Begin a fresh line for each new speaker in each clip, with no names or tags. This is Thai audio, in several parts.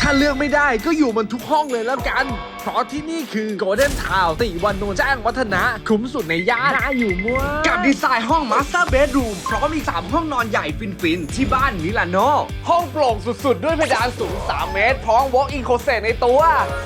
าเลือกไม่ได้ก็อยู่มันทุกห้องเลยแล้วกันเพราะที่นี่คือ Golden Town ติวานนท์แจ้งวัฒนะคุ้มสุดในย่านน่าอยู่มั่ว
กับดีไซน์ห้อง Master Bedroom พร้อมอีก3ห้องนอนใหญ่ฟินๆที่บ้านมิลานโน
ห้องโปร่งสุดๆด้วยเพดานสูง3 เมตรพร้อม Walk-in Closet ในตัว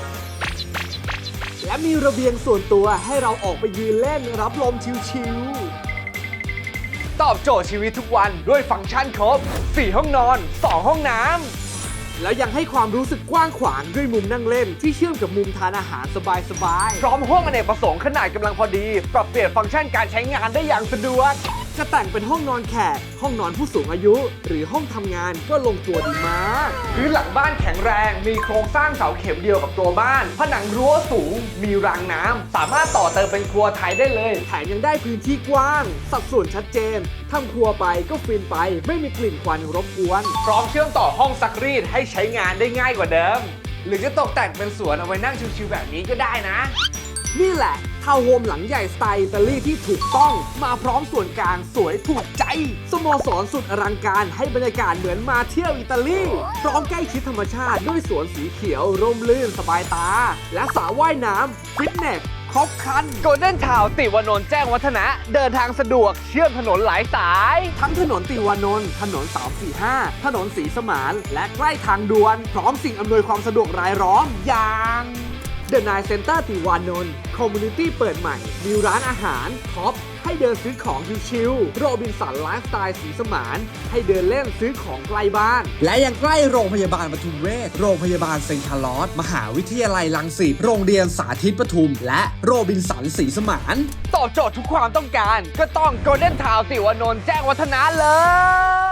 และมีระเบียงส่วนตัวให้เราออกไปยืนเล่นรับลมชิลๆตอบโจทย์ชีวิตทุกวันด้วยฟังก์ชันครบ4 ห้องนอน 2 ห้องน้ำแล้วยังให้ความรู้สึกกว้างขวางด้วยมุมนั่งเล่นที่เชื่อมกับมุมทานอาหารสบายๆพร้อมห้องอเนกประสงค์ขนาดกำลังพอดีปรับเปลี่ยนฟังก์ชันการใช้งานได้อย่างสะดวกจะแต่งเป็นห้องนอนแขกห้องนอนผู้สูงอายุ หรือห้องทำงานก็ลงตัวดีมากพื้นหลังบ้านแข็งแรงมีโครงสร้างเสาเข็มเดียวกับตัวบ้านผนังรั้วสูงมีรางน้ำสามารถต่อเติมเป็นครัวไทยได้เลยแถมยังได้พื้นที่กว้างสัดส่วนชัดเจนทำครัวไปก็ฟินไปไม่มีกลิ่นควันรบกวนพร้อมเชื่อมต่อห้องซักรีดให้ใช้งานได้ง่ายกว่าเดิมหรือจะตกแต่งเป็นสวนเอาไว้นั่งชิวๆแบบนี้ก็ได้นะนี่แหละทาวน์โฮมหลังใหญ่สไตล์อิตาลีที่ถูกต้องมาพร้อมส่วนกลางสวยถูกใจสโมสรสุดอลังการให้บรรยากาศเหมือนมาเที่ยวอิตาลีพร้อมใกล้ชิดธรรมชาติด้วยสวนสีเขียวร่มรื่นสบายตาและสระว่ายน้ำฟิตเนสครบครัน Golden Town ติวานนท์แจ้งวัฒนะเดินทางสะดวกเชื่อมถนนหลายสายทั้งถนนติวานนท์ถนน345ถนนศรีสมานและใกล้ทางด่วนพร้อมสิ่งอำนวยความสะดวกรายล้อมอย่างThe Nine Center ติวานนท์คอมมูนิตี้เปิดใหม่มีร้านอาหารท็อปให้เดินซื้อของชิลๆโรบินสันไลฟ์สไตล์สีสมานให้เดินเล่นซื้อของใกล้บ้าน
และยังใกล้โรงพยาบาลปทุมเวชโรงพยาบาลเซนต์คาร์ลอสมหาวิทยาลัยรังสิตโรงเรียนสาธิตปทุมและโรบินสันสีสมาน
ตอบโจทย์ทุกความต้องการก็ต้อง Golden Town ติวานนท์แจ้งวัฒนะเลย